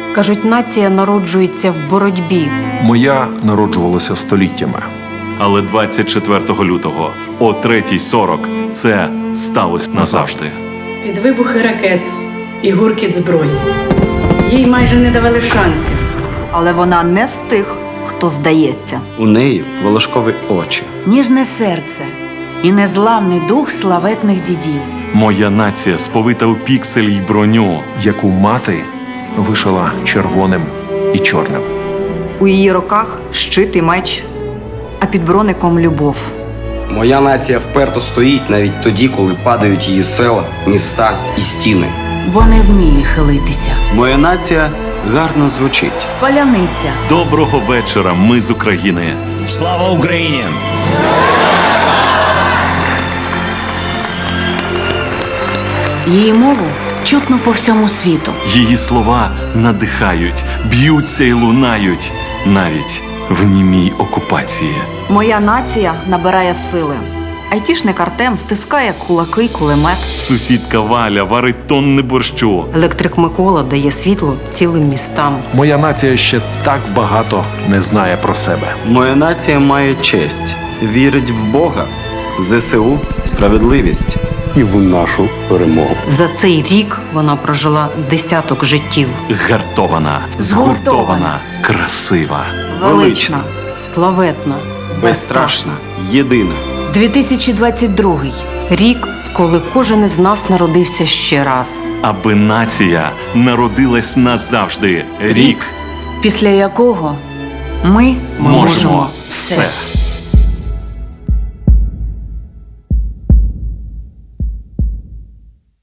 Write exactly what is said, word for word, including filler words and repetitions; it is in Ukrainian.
Кажуть, нація народжується в боротьбі. Моя народжувалася століттями. Але двадцять четвертого лютого о третій сорок це сталося назавжди. Під вибухи ракет і гуркіт зброї. Їй майже не давали шансів. Але вона не з тих, хто здається. У неї волошкові очі. Ніжне серце і незламний дух славетних дідів. Моя нація сповита у піксель й броню. Яку мати вишила червоним і чорним. У її руках щит і меч, а під броником любов. Моя нація вперто стоїть навіть тоді, коли падають її села, міста і стіни. Бо не вміє хилитися. Моя нація гарно звучить. Паляниця. Доброго вечора, ми з України. Слава Україні! Її мову чутно по всьому світу. Її слова надихають, б'ються й лунають, навіть в німій окупації. Моя нація набирає сили. Айтішник Артем стискає кулаки й кулемет. Сусідка Валя варить тонни борщу. Електрик Микола дає світло цілим містам. Моя нація ще так багато не знає про себе. Моя нація має честь, вірить в Бога, зе се у, справедливість і в нашу перемогу. За цей рік вона прожила десяток життів. Гартована, згуртована, красива. Велична. Славетна. Безстрашна, єдина. дві тисячі двадцять другий. Рік, коли кожен із нас народився ще раз. Аби нація народилась назавжди. Рік Після якого ми можемо все.